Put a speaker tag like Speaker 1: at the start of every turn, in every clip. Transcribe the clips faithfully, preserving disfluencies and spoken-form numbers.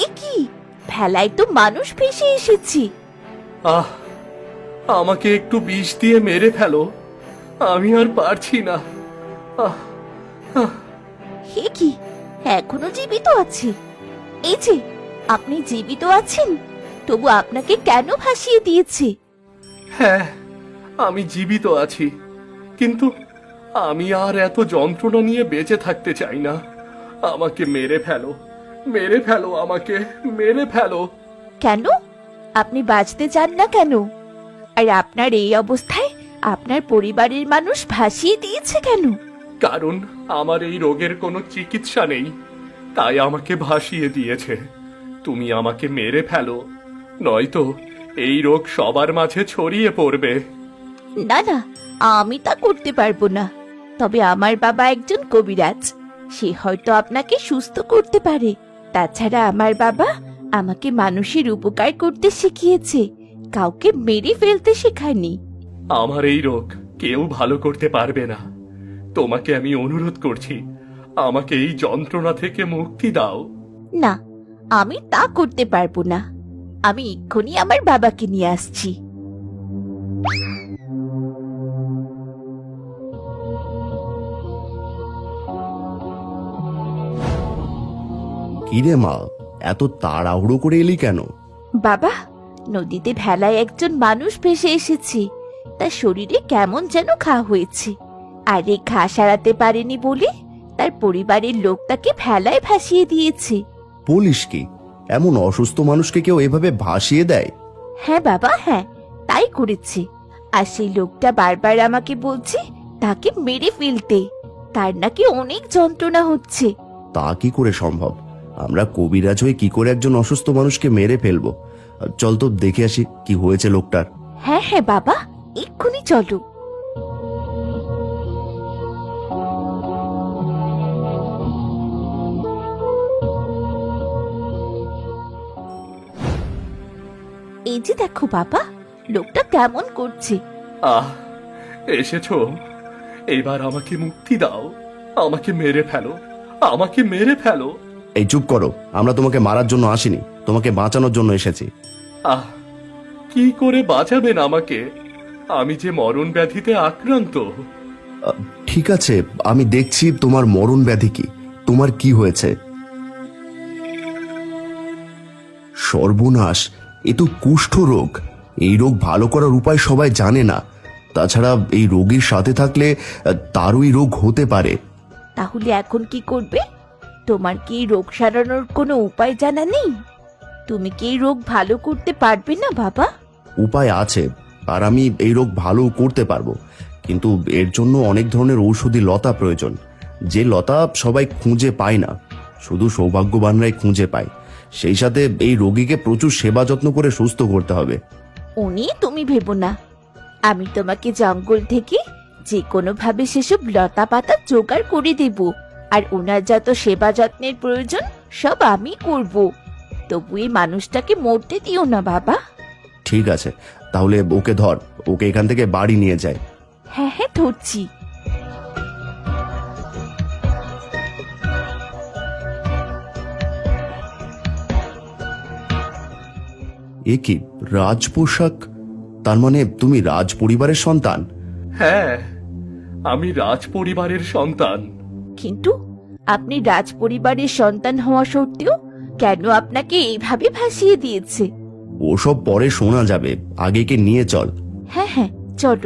Speaker 1: এ কি, ভেলায় তো মানুষ ভেসে এসেছে।
Speaker 2: আহ, আমাকে একটু বিষ দিয়ে মেরে ফেলো, আমি আর পারছি না। আহ আহ
Speaker 1: হে কি, এখনো জীবিত আছে? এই যে, আপনি জীবিত আছেন, তবু আপনাকে কেন ভাসিয়ে দিয়েছে?
Speaker 2: হ্যাঁ, আমি জীবিত আছি, কিন্তু আমি আর এত যন্ত্রণা নিয়ে বেঁচে থাকতে চাই না। আমাকে মেরে ফেলো, মেরে ফেলো, আমাকে মেরে ফেলো।
Speaker 1: কেন? আপনি বাঁচতে চান না কেন? আর আপনার এই অবস্থায় আপনার পরিবারের মানুষ ভাসিয়ে দিয়েছে কেন?
Speaker 2: কারণ আমার এই রোগের কোনো চিকিৎসা নেই, তাই আমাকে ভাসিয়ে দিয়েছে। তুমি আমাকে মেরে ফেলো, নয়তো এই রোগ সবার মাঝে ছড়িয়ে পড়বে।
Speaker 1: না না, আমি তা করতে পারবো না। তবে আমার বাবা একজন কবিরাজ, সে হয়তো আপনাকে সুস্থ করতে পারে। তাছাড়া আমার বাবা আমাকে মানুষের উপকার করতে শিখিয়েছে, কাউকে মেরে ফেলতে শেখায়নি।
Speaker 2: আমার এই রোগ কেউ ভালো করতে পারবে না। তোমাকে আমি অনুরোধ করছি, আমাকে এই যন্ত্রণা থেকে মুক্তি দাও।
Speaker 1: না, আমি তা করতে পারবো না। আমি এক্ষুনি আমার বাবাকে নিয়ে আসছি।
Speaker 3: কিরে মা, এত তাড়াহুড়ো করে এলি কেন?
Speaker 1: বাবা, নদীতে ভেলায় একজন মানুষ ভেসে এসেছে, তার শরীরে কেমন যেন ঘা হয়েছে, আর এই ঘা সারাতে পারেনি বলে তার পরিবারের লোক তাকে ভেলায় ভাসিয়ে দিয়েছে।
Speaker 3: বলিস কি, এমন অসুস্থ মানুষকে কেউ এভাবে ভাসিয়ে দেয়?
Speaker 1: হ্যাঁ বাবা, হ্যাঁ, তাই করেছে। আর সেই লোকটা বারবার আমাকে বলছে তাকে মেরে ফেলতে, তার নাকি অনেক যন্ত্রণা হচ্ছে।
Speaker 3: তা কি করে সম্ভব? আমরা কবিরাজ হয়ে কি করে একজন অসুস্থ মানুষকে মেরে ফেলবো? চল তো দেখে আসি কি হয়েছে লোকটার।
Speaker 1: হ্যাঁ হ্যাঁ বাবা, এক্ষুনি চলো। এই যে দেখো বাবা, লোকটা কেমন করছে।
Speaker 2: আহ, এসেছো, এবার আমাকে মুক্তি দাও। আমাকে মেরে ফেলো, আমাকে মেরে ফেলো।
Speaker 3: এই চুপ করো, আমরা তোমাকে মারার জন্য আসিনি, তোমাকে বাঁচানোর জন্য এসেছি।
Speaker 2: আহ, কি করে বাঁচাবেন আমাকে? আমি যে মরণ ব্যাধিতে আক্রান্ত।
Speaker 3: আহ, ঠিক আছে, আমি দেখছি তোমার মরণ ব্যাধি কি, তোমার কি হয়েছে। সর্বনাশ, এ তো কুষ্ঠ রোগ। এই রোগ ভালো করার উপায় সবাই জানে না। তাছাড়া এই রোগীর সাথে থাকলে আহ, তারও এই রোগ হতে পারে।
Speaker 1: তাহলে এখন কি করবে? তোমার কি এই রোগ সারানোর কোনো উপায় জানা নেই? তুমি কি এই রোগ ভালো করতে পারবে না বাবা?
Speaker 3: উপায় আছে, আর আমি এই রোগ ভালো করতে পারবো, কিন্তু এর জন্য অনেক ধরনের ঔষধি লতা প্রয়োজন, যে লতা সবাই খুঁজে পায় না, শুধু সৌভাগ্যবানরাই খুঁজে পায়। সেই সাথে এই রোগীকে প্রচুর সেবা যত্ন করে সুস্থ করতে হবে।
Speaker 1: উনি তুমি ভেবো না, আমি তোমাকে জঙ্গল থেকে যে কোনো ভাবে সেসব লতা পাতা জোগাড় করে দেব, আর ওনার যত সেবা যত্নের প্রয়োজন সব আমি করব। তবু এই মানুষটাকে মরতে দিও না বাবা।
Speaker 3: ঠিক আছে, তাহলে ওকে ধর, ওকে এখান থেকে বাড়ি নিয়ে যায়।
Speaker 1: হ্যাঁ হ্যাঁ, ধরছি।
Speaker 3: এ কি রাজ পোশাক? তার মানে তুমি রাজ পরিবারের সন্তান?
Speaker 2: হ্যাঁ, আমি রাজ পরিবারের সন্তান।
Speaker 1: কিন্তু আপনি রাজ পরিবারের সন্তান হওয়া সত্ত্বেও কেন আপনাকে এইভাবে ভাসিয়ে দিয়েছে?
Speaker 3: ওসব পরে শোনা যাবে, আগে কে নিয়ে চল।
Speaker 1: হ্যাঁ হ্যাঁ, চলো।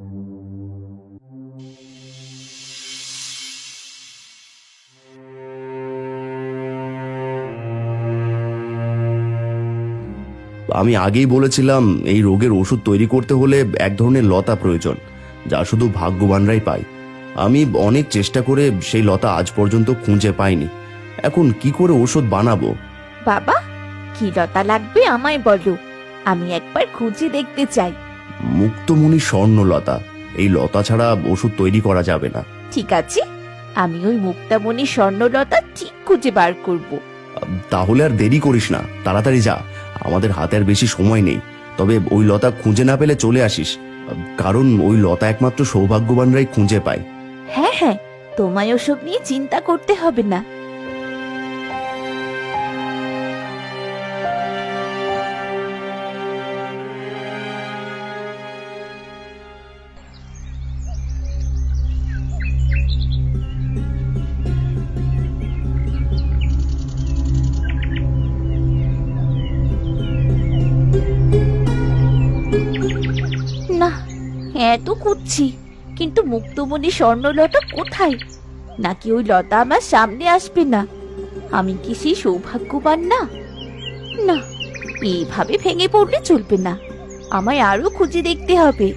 Speaker 3: আমি আগেই বলেছিলাম, এই রোগের ওষুধ তৈরি করতে হলে এক ধরনের লতা প্রয়োজন, যা শুধু ভাগ্যবানরাই পায়। আমি অনেক চেষ্টা করে সেই লতা আজ পর্যন্ত খুঁজে পাইনি। এখন কি করে ওষুধ বানাবো?
Speaker 1: বাবা, কি লতা লাগবে আমায় বলো, আমি একবার খুঁজে দেখতে চাই।
Speaker 3: মুক্তমণি স্বর্ণলতা, এই লতা ছাড়া ওষুধ তৈরি করা যাবে না।
Speaker 1: ঠিক আছে, আমি ওই মুক্তামণি স্বর্ণলতা ঠিক খুঁজে বার করব।
Speaker 3: তাহলে আর দেরি করিস না, তাড়াতাড়ি যা, আমাদের হাতে আর বেশি সময় নেই। তবে ওই লতা খুঁজে না পেলে চলে আসিস, কারণ ওই লতা একমাত্র সৌভাগ্যবানরাই খুঁজে পায়।
Speaker 1: হ্যাঁ হ্যাঁ, তোমায় ওসব নিয়ে চিন্তা করতে হবে না। হ্যাঁ তো খুঁজছি, কিন্তু মুক্তমণি স্বর্ণলতা কোথায়? নাকি ওই লতা আমার সামনে আসবে না? আমি কি সেই সৌভাগ্যবান না? না, এইভাবে ভেঙে পড়লে চলবে না, আমায় আরো খুঁজে দেখতে হবে।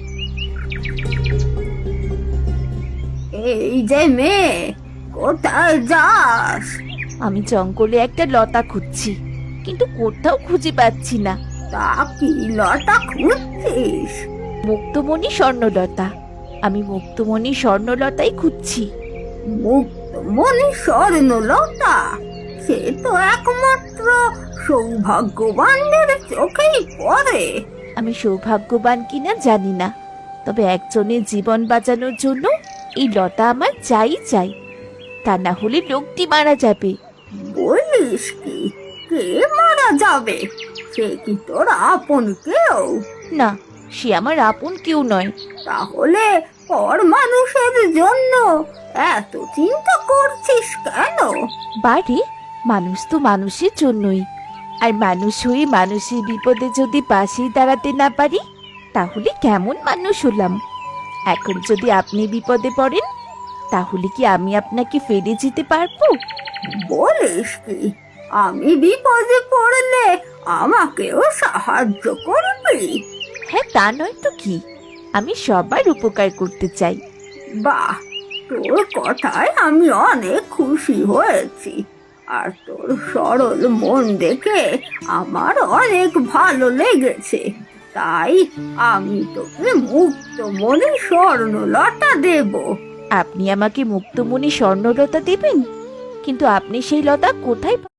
Speaker 4: এই যে মেয়ে, কোথায় যাস?
Speaker 1: আমি জঙ্গলে একটা লতা খুঁজছি, কিন্তু কোথাও খুঁজে পাচ্ছি না।
Speaker 4: তা কি লতা খুঁজছিস?
Speaker 1: মুক্তমণি স্বর্ণলতা, আমি মুক্তমণি স্বর্ণলতাই খুঁজছি।
Speaker 4: মুক্তমণি স্বর্ণলতা? সে তো একমাত্র সৌভাগ্যবানদের চোখেই পড়ে।
Speaker 1: আমি সৌভাগ্যবান কিনা জানি না, তবে একজনের জীবন বাঁচানোর জন্য এই লতা আমার চাই চাই, তা না হলে লোকটি মারা যাবে।
Speaker 4: বলিস কি? কে মারা যাবে? সে কি তোর আপন কেউ?
Speaker 1: না, সে আমার আপন কেউ নয়।
Speaker 4: তাহলে পর মানুষের জন্য এত চিন্তা করছিস কেন?
Speaker 1: বাড়ি, মানুষ তো মানুষের জন্যই, আর মানুষ হয়ে মানুষের বিপদে যদি পাশেই দাঁড়াতে না পারি, তাহলে কেমন মানুষ হলাম? এখন যদি আপনি বিপদে পড়েন, তাহলে কি আমি আপনাকে ফেলে যেতে পারবো?
Speaker 4: বলিস কি? আমি বিপদে পড়লে আমাকেও সাহায্য করবি?
Speaker 1: হ্যাঁ, তা নয় তো কি, আমি সবার উপকার করতে চাই।
Speaker 4: বাহ, তোর কথায় আমি অনেক খুশি হয়েছি। আর তোর সরল মন দেখে আমার অনেক ভালো লেগেছে। তাই আমি তোকে মুক্তমণি স্বর্ণলতা দেব।
Speaker 1: আপনি আমাকে মুক্তমণি স্বর্ণলতা দেবেন? কিন্তু আপনি সেই লতা কোথায়